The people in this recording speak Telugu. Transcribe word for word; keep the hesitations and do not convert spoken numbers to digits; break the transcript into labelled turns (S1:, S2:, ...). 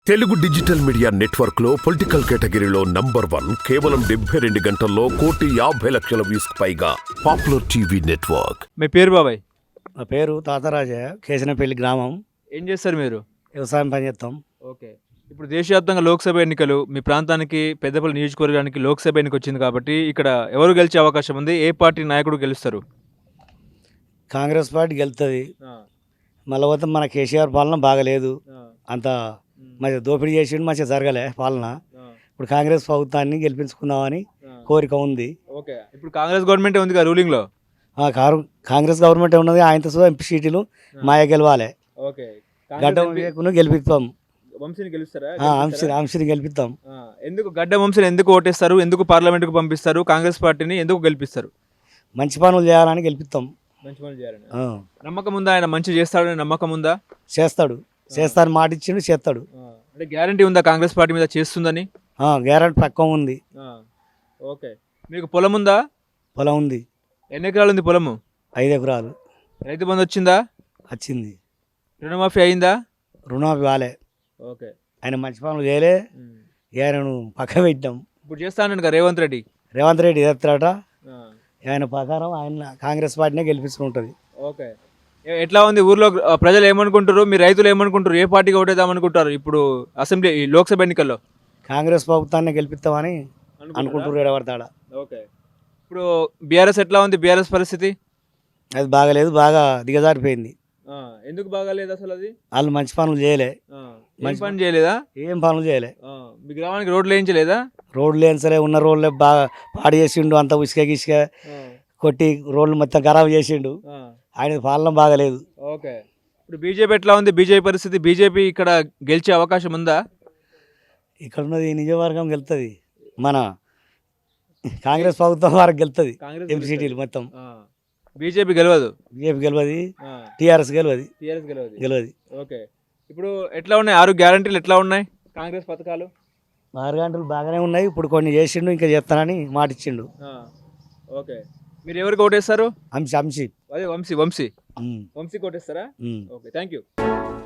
S1: తెలుగు డిజిటల్ మీడియా నెట్వర్క్ లో పొలిటికల్ కేటగిరీలో నంబర్ వన్ కేవలం డెబ్బై రెండు గంటల్లో కోటి యాభై లక్షల వ్యూస్ పైగా పాపులర్ టీవీ నెట్వర్క్.
S2: మీ పేరు బాబాయ్?
S3: నా పేరు తాతరాజయ్య, కేశనపల్లి గ్రామం.
S2: ఏం చేస్తారు మీరు?
S3: వ్యవసాయం పని చేస్తాం.
S2: ఓకే. ఇప్పుడు దేశవ్యాప్తంగా లోక్సభ ఎన్నికలు, మీ ప్రాంతానికి పెద్దపల్లి నియోజకవర్గానికి లోక్సభ ఎన్నిక వచ్చింది కాబట్టి ఇక్కడ ఎవరు గెలిచే అవకాశం ఉంది? ఏ పార్టీ నాయకుడు గెలుస్తారు?
S3: కాంగ్రెస్ పార్టీ గెలుతుంది. మళ్ళీ పోతే మన కేసీఆర్ పాలన బాగలేదు, అంత మంచిగా దోపిడీ చేసిండు, మంచిగా జరగలే పాలన. ఇప్పుడు కాంగ్రెస్ ప్రభుత్వాన్ని గెలిపించుకుందామని కోరిక ఉంది.
S2: ఓకే. ఇప్పుడు కాంగ్రెస్ గవర్నమెంట్ ఉంది కదా రూలింగ్లో?
S3: కాంగ్రెస్ గవర్నమెంట్ ఉన్నది, ఆయనతో సుధా ఎంపీ సీట్లు మాయ గెలవాలి.
S2: ఓకే.
S3: గడ్డ వివేకును గెలిపిస్తాం.
S2: వంశీని గెలుస్తారా?
S3: వంశీని గెలిపిస్తాం.
S2: ఎందుకు గడ్డ వంశీని ఎందుకు ఓటేస్తారు? ఎందుకు పార్లమెంట్కు పంపిస్తారు? కాంగ్రెస్ పార్టీని ఎందుకు గెలిపిస్తారు?
S3: మంచి పనులు చేయాలని గెలిపిస్తాం.
S2: మంచి పనులు చేయాలని నమ్మకం ఉందా? ఆయన మంచి చేస్తాడని నమ్మకం ఉందా?
S3: చేస్తాడు, చేస్తాను మాట ఇచ్చిండు, చేస్తాడు.
S2: అంటే గ్యారంటీ ఉందా కాంగ్రెస్ పార్టీ మీద చేస్తుందని?
S3: గ్యారంటీ పక్క ఉంది.
S2: ఓకే. మీకు పొలం ఉందా?
S3: పొలం ఉంది.
S2: ఎన్ని ఎకరాలు ఉంది పొలము?
S3: ఐదు ఎకరాలు.
S2: రైతు బంధు వచ్చిందా?
S3: వచ్చింది.
S2: రుణమాఫీ అయిందా?
S3: రుణమాఫీ వాలే.
S2: ఓకే.
S3: ఆయన మంచి పనులు చేయలే, ఆయనను పక్క పెట్టాం.
S2: ఇప్పుడు చేస్తానండి కదా రేవంత్ రెడ్డి.
S3: రేవంత్ రెడ్డి చేస్తాడట. ఆయన ప్రకారం ఆయన కాంగ్రెస్ పార్టీనే గెలిపిస్తుంటుంది.
S2: ఓకే. ఎట్లా ఉంది ఊర్లో ప్రజలు ఏమనుకుంటారు? మీ రైతులు ఏమనుకుంటారు? ఏ పార్టీకి ఓటేద్దామనుకుంటారు ఇప్పుడు అసెంబ్లీ లోక్సభ ఎన్నికల్లో?
S3: కాంగ్రెస్ ప్రభుత్వాన్ని గెలిపిస్తామని అనుకుంటారు ఎడబడతాడ.
S2: ఓకే. ఇప్పుడు బీఆర్ఎస్ ఎట్లా ఉంది? బీఆర్ఎస్ పరిస్థితి
S3: అది బాగలేదు, బాగా దిగజారిపోయింది.
S2: ఎందుకు బాగాలేదు అసలు? అది
S3: వాళ్ళు మంచి పనులు చేయలే.
S2: మంచి పని చేయలేదా?
S3: ఏం పనులు చేయలే.
S2: మీ గ్రామానికి రోడ్లు వేయించలేదా?
S3: రోడ్లు వేయించలే, ఉన్న రోడ్లే బాగా పాడు చేసిండు, అంత ఉసుక గిసుక కొట్టి రోడ్లు మొత్తం ఖరాబ్ చేసిండు. ఆయన పాలన బాగలేదు.
S2: ఓకే. ఇప్పుడు బీజేపీ ఎట్లా ఉంది? బీజేపీ పరిస్థితి, బీజేపీ ఇక్కడ గెలిచే అవకాశం ఉందా?
S3: ఇక్కడ ఉన్నది నియోజకవర్గం గెలుతుంది, మన కాంగ్రెస్ ప్రభుత్వం వారికి గెలుతుంది. ఎంపీ సీటీలు మొత్తం
S2: బీజేపీ గెలవదు.
S3: బీజేపీ గెలవది, టీఆర్ఎస్ గెలవది.
S2: టీఆర్ఎస్ గెలవదు
S3: గెలవది.
S2: ఓకే. ఇప్పుడు ఎట్లా ఉన్నాయి ఆరు గ్యారంటీలు? ఎట్లా ఉన్నాయి కాంగ్రెస్ పథకాలు?
S3: ఆరు గంటలు బాగానే ఉన్నాయి. ఇప్పుడు కొన్ని చేసిండు, ఇంకా చేస్తానని మాట ఇచ్చిండు.
S2: ఓకే. మీరు ఎవరికి ఓటేస్తారు?
S3: అంశి అంశి
S2: అదే వంశీ వంశీ వంశీ కోటేస్తారా? ఓకే. Thank you.